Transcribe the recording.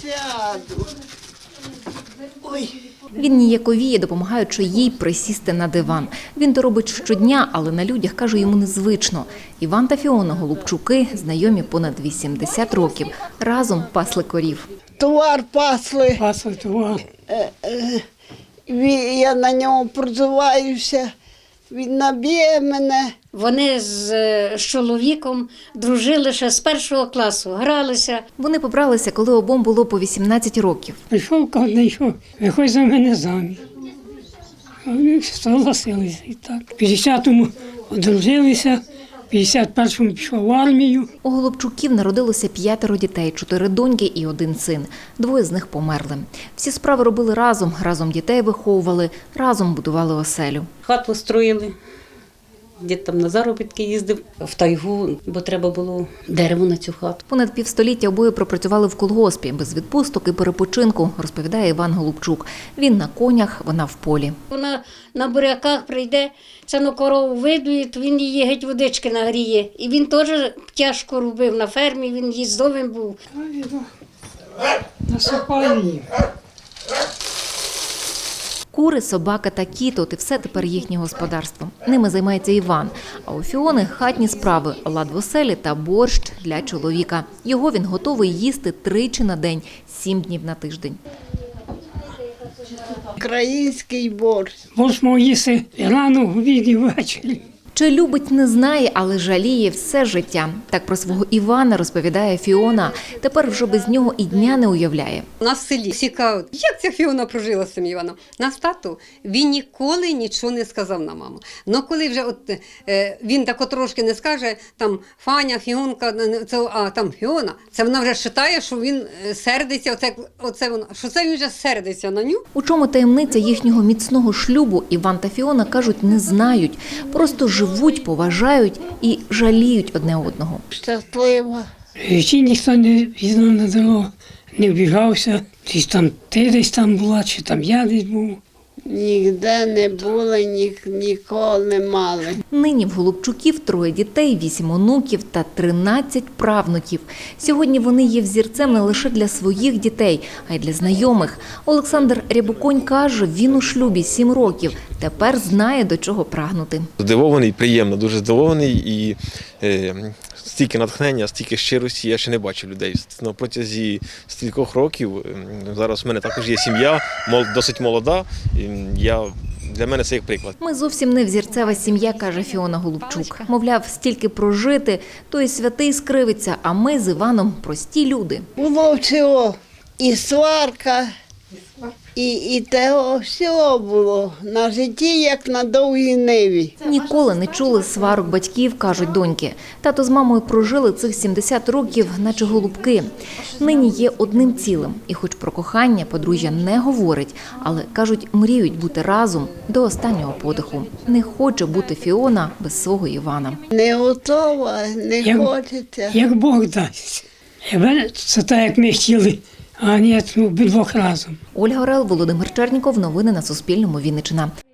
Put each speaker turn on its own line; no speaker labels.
Сяду. Ой.
Він ніяковіє, допомагаючи їй присісти на диван. Він то робить щодня, але на людях, каже, йому незвично. Іван та Фіона Голубчуки знайомі понад 80 років. Разом пасли корів.
Товар пасли.
Пасли товар.
Я на ньому прозиваюся. Він наб'є мене.
Вони з чоловіком дружили ще з першого класу, гралися.
Вони побралися, коли обом було по 18 років.
Прийшов один, що виходь за мене заміж. Вони согласилися і так. В 50-му одружилися, в 51-му пішов в армію.
У Голубчуків народилося 5 дітей, 4 доньки і 1 син. 2 з них померли. Всі справи робили разом, разом дітей виховували, разом будували оселю.
Хату строїли, дід там на заробітки їздив в тайгу, бо треба було дерево на цю хату.
Понад півстоліття обоє пропрацювали в колгоспі, без відпусток і перепочинку, розповідає Іван Голубчук. Він на конях, вона в полі.
Вона на буряках прийде, це на корову видує, то він її геть водички нагріє. І він теж тяжко робив на фермі, він їздовим був.
Насипаю їм.
Кури, собака та кіт – от і все тепер їхнє господарство. Ними займається Іван. А у Фіони – хатні справи, лад в оселі та борщ для чоловіка. Його він готовий їсти 3 на день, 7 днів на тиждень.
Український борщ.
Борщ мав їсти і рано, в обід і ввечері.
Чи любить, не знає, але жаліє все життя. Так про свого Івана розповідає Фіона. Тепер вже без нього і дня не уявляє.
У нас в селі всі кажуть, як ця Фіона прожила з цим Іваном. Наш тато, він ніколи нічого не сказав на маму. Но коли вже він так трошки не скаже, там Фаня, Фіонка, там Фіона, це вона вже вважає, що він сердиться, що це він вже сердиться на ню.
У чому таємниця їхнього міцного шлюбу, Іван та Фіона, кажуть, не знають. Просто живуть, поважають і жаліють одне одного.
Щаслива.
Чи ніхто не візнав на дорогу, не вбігався. Ти десь там була, чи там я десь був.
Ніде не були, ніколи не мали.
Нині в Голубчуків 3 дітей, 8 онуків та 13 правнуків. Сьогодні вони є взірцем не лише для своїх дітей, а й для знайомих. Олександр Рябоконь каже, він у шлюбі 7 років. Тепер знає, до чого прагнути.
Здивований, приємно, дуже здивований і стільки натхнення, стільки щирості я ще не бачив людей. На протязі стількох років, зараз в мене також є сім'я, досить молода, для мене це як приклад.
Ми зовсім не взірцева сім'я, каже Фіона Голубчук. Мовляв, стільки прожити, то і святий скривиться, а ми з Іваном прості люди.
Було всього. І сварка, і того всього було. На житті, як на довгій ниві.
Ніколи не чули сварок батьків, кажуть доньки. Тато з мамою прожили цих 70 років, наче голубки. Нині є одним цілим. І хоч про кохання подружжя не говорить, але, кажуть, мріють бути разом до останнього подиху. Не хоче бути Фіона без свого Івана.
Не готова, не хочеться.
Як Бог дасть. Це так, як ми хотіли, а ні, обидвох разом.
Ольга Орел, Володимир Черніков. Новини на Суспільному. Вінниччина.